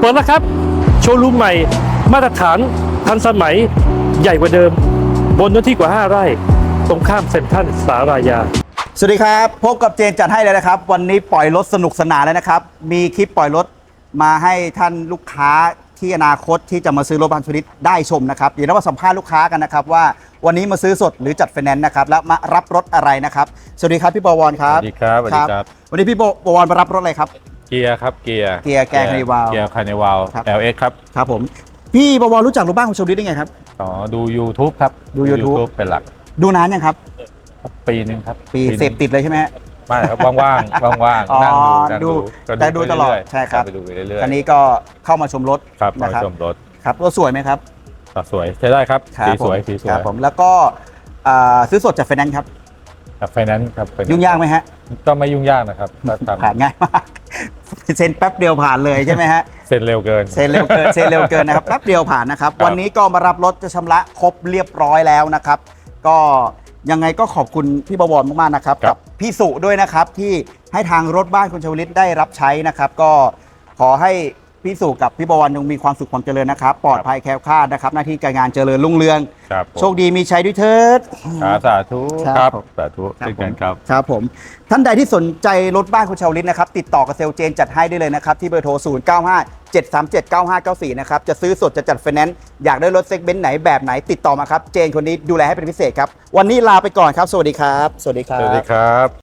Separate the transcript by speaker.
Speaker 1: ปิดแล้วครับโชว์รูมใหม่มาตรฐานทันสมัยใหญ่กว่าเดิมบนเนื้อที่กว่า5 ไร่ตรงข้ามเซ็นทรัลสารายา
Speaker 2: สวัสดีครับพบกับเจนจัดให้เลยนะครับวันนี้ปล่อยรถสนุกสนานแล้วนะครับมีคลิปปล่อยรถมาให้ท่านลูกค้าที่อนาคตที่จะมาซื้อรถบางชนิดได้ชมนะครับเดี๋ยวเรามาสัมภาษณ์ลูกค้ากันนะครับว่าวันนี้มาซื้อสดหรือจัดไฟแนนซ์นะครับแล้วมารับรถอะไรนะครับสวัสดีครับพี่บวรครับ
Speaker 3: สวัสดีครับสวัสดีครับ
Speaker 2: วันนี้พี่บวรมารับรถอะไรครับ
Speaker 3: เกียร์ครับเกียร์
Speaker 2: แกร์คานิวาล
Speaker 3: เกียร์คานิวาล
Speaker 2: ครับ
Speaker 3: LX ครับ
Speaker 2: ครับผมพี่บวรรู้จักรถบ้านของชมฤทธิ์ได้ไงครับ
Speaker 3: อ๋อดู YouTube ครับ
Speaker 2: ดู YouTube
Speaker 3: เป็นหลัก
Speaker 2: ดูนานยังครับ
Speaker 3: ปีหนึ่งครับ
Speaker 2: ปีเสพติดเลยใช่ไหมฮะ
Speaker 3: ไม่ครับว่างๆว่าง
Speaker 2: อ๋อ
Speaker 3: ๆนั่งดู
Speaker 2: แต่ดูตลอด
Speaker 3: ไปเรื่ยๆ
Speaker 2: ใช่ครับ
Speaker 3: ไปดูไปเรื่อยๆ
Speaker 2: อันนี้ก็เข้ามาชมรถ
Speaker 3: ครับ
Speaker 2: นะ
Speaker 3: มา
Speaker 2: ครับ
Speaker 3: ชมรถ
Speaker 2: ครับรถสวยไหมครับ
Speaker 3: สวยใช้ได้ครับ
Speaker 2: ครับ
Speaker 3: สีสวย
Speaker 2: ผม
Speaker 3: สีสว
Speaker 2: ครั
Speaker 3: ย
Speaker 2: บผมแล้วก็ซื้อสดจากไฟแนนซ์ครับ
Speaker 3: กับไฟแนนซ์ครับ
Speaker 2: ยุ่งยากไหมฮะ
Speaker 3: ก็ไม่ยุ่งยากนะครับถ้าทำ
Speaker 2: ผ่านง่ายมากเซ็นแป๊บเดียวผ่านเลยใช่ไหมฮะ
Speaker 3: เสร็จเร็วเกิน
Speaker 2: เซ็นเร็วเกินเซ็นเร็วเกินนะครับแป๊บเดียวผ่านนะครับ
Speaker 3: ครับ
Speaker 2: วันนี้ก็มารับรถจะชำระครบเรียบร้อยแล้วนะครับ ก็ยังไงก็ขอบคุณพี่บวรมากๆนะครับกับพี่สุด้วยนะครับที่ให้ทางรถบ้านคุณชวลิตได้รับใช้นะครับ ก็ขอให้พี่สุกับพี่บวรยังมีความสุขความเจริญนะครับปลอดภัยแคล้วคลาดนะครับหน้าที่การงานเจริญรุ่งเรือง
Speaker 3: ครับผม
Speaker 2: โชคดีมีชัยด้วยเถิด
Speaker 3: สาธุ
Speaker 2: ครับ
Speaker 3: ครับ
Speaker 2: ผม
Speaker 3: สาธุเช่นกันครับ
Speaker 2: ครับผมท่านใดที่สนใจรถบ้านคุณชาวลิตนะครับติดต่อกับเซลล์เจนจัดให้ได้เลยนะครับที่เบอร์โทร 0957379594 นะครับจะซื้อสดจะจัดไฟแนนซ์อยากได้รถเซกเมนต์ไหนแบบไหนติดต่อมาครับเจนคนนี้ดูแลให้เป็นพิเศษครับวันนี้ลาไปก่อนครับสวัสดีครับสวัสดีครั
Speaker 3: สวัสดี
Speaker 2: บ
Speaker 3: ครับ